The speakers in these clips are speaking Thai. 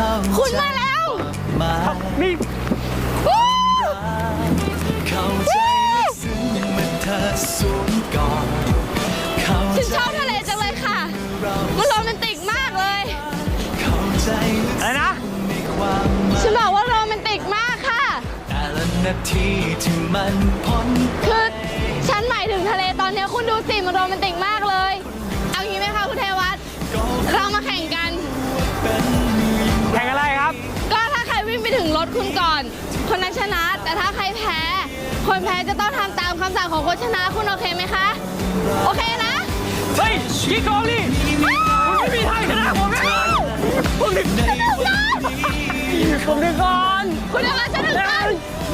คุณมาแล้วนี่ฉันชอบทะเลจังเลยค่ะมันโรแมนติกมากเลยอะไรนะฉันบอกว่าโรแมนติกมากค่ะคือฉันหมายถึงทะเลตอนนี้คุณดูสิมันโรแมนติกมากเลยเอางี้ไหมคะคุณเทวัฒน์เรามาแข่งกันแข่งอะไรครับก็ถ้าใครวิ่งไปถึงรถคุณก่อนคนนั้นชนะแต่ถ้าใครแพ้คนแพ้จะต้องทำตามคำสั่งของคนชนะคุณโอเคไหมคะโอเคนะเฮ้ยกี่กองนี่คุณไม่มีทางชนะผมแน่ผมดึงก่อนคุณจะมาชนะกัน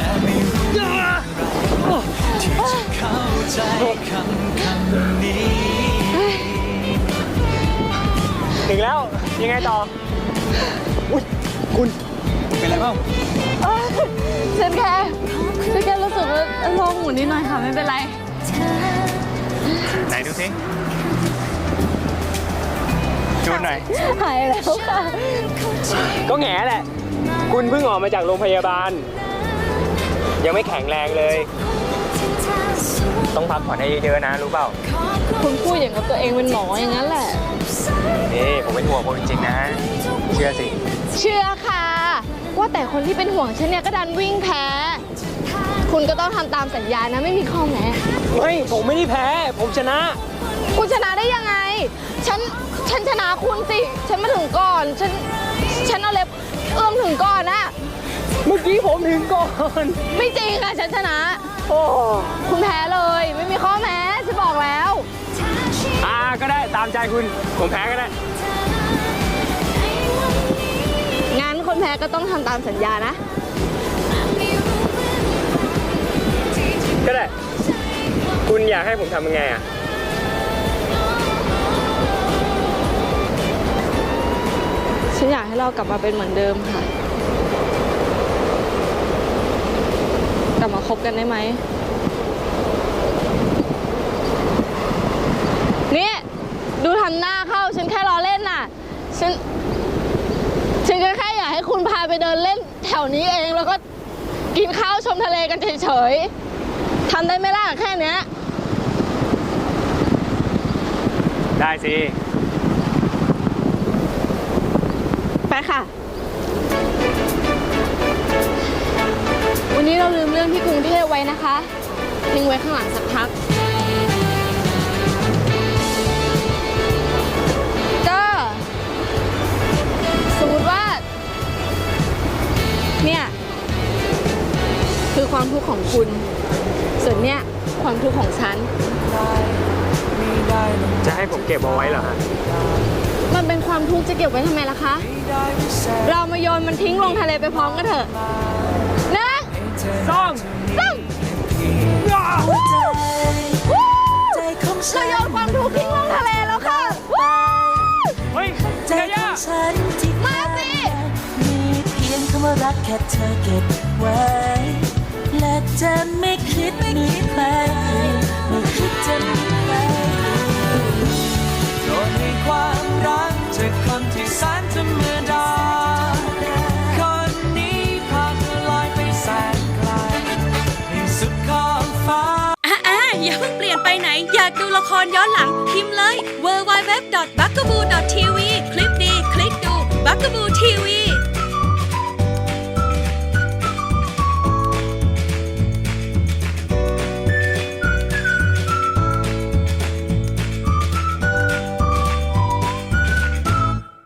ถึงแล้วยังไงต่ออุ๊ยคุณเป็นไรบ้างฉันแค่รู้สึกว่าโล่งหมุนนิดหน่อยค่ะไม่เป็นไรไหนดูสิดูหน่อยหายแล้วค่ะก็แง่แหละคุณเพิ่งออกมาจากโรงพยาบาลยังไม่แข็งแรงเลยต้องพักผ่อนให้เยอะๆนะรู้เปล่าคุณพูดอย่างกับตัวเองเป็นหมออย่างนั้นแหละนี่ผมเป็นห่วงคุณจริงๆนะเชื่อสิเชื่อค่ะว่าแต่คนที่เป็นห่วงฉันเนี่ยก็ดันวิ่งแพ้คุณก็ต้องทำตามสัญญานะไม่มีข้อแม้ไม่ผมไม่ได้แพ้ผมชนะคุณชนะได้ยังไงฉันชนะคุณสิฉันมาถึงก่อนฉันเอาเล็บเอื้อมถึงก่อนนะเมื่อกี้ผมถึงก่อนไม่จริงค่ะฉันชนะโอ้คุณแพ้เลยไม่มีข้อแม้ฉันบอกแล้วก็ได้ตามใจคุณผมแพ้ก็ได้งั้นคนแพ้ก็ต้องทำตามสัญญานะก็ได้คุณอยากให้ผมทำยังไงฉันอยากให้เรากลับมาเป็นเหมือนเดิมค่ะกลับมาคบกันได้ไหมนี่ดูทำหน้าเข้าฉันแค่ล้อเล่นน่ะฉันก็แค่อยากให้คุณพาไปเดินเล่นแถวนี้เองแล้วก็กินข้าวชมทะเลกันเฉยๆทำได้ไหมล่ะแค่เนี้ยได้สิไปค่ะวันนี้เราลืมเรื่องที่กรุงเทพไว้นะคะทิ้งไว้ข้างหลังสักพักก็สมมติว่าเนี่ยคือความทุกข์ของคุณส่วนเนี่ยความทุกข์ของฉันจะให้ผมเก็บเอาไว้เหรอฮะมันเป็นความทุกข์จะเก็บไว้ทำไมล่ะคะเรามาโยนมันทิ้งลงทะเลไปพร้อมกันเถอะนะซ่อมเราโยนความทุกข์ทิ้งลงทะเลแล้วค่ะเฮ้ยใจของฉันมาสิมีเพียงคำว่ารักแค่เธอเก็บไว้และจะไม่คิดมีใครไม่คิดจะมีใครโดนให้ความรักจากคนที่แสนธรรมดาคนนี้พาเธอลอยไปแสนไกลให้สุดขอบฟ้าอย่าเพิ่งเปลี่ยนไปไหนอยากดูละครย้อนหลังพิมพ์เลย www.bugaboo.tv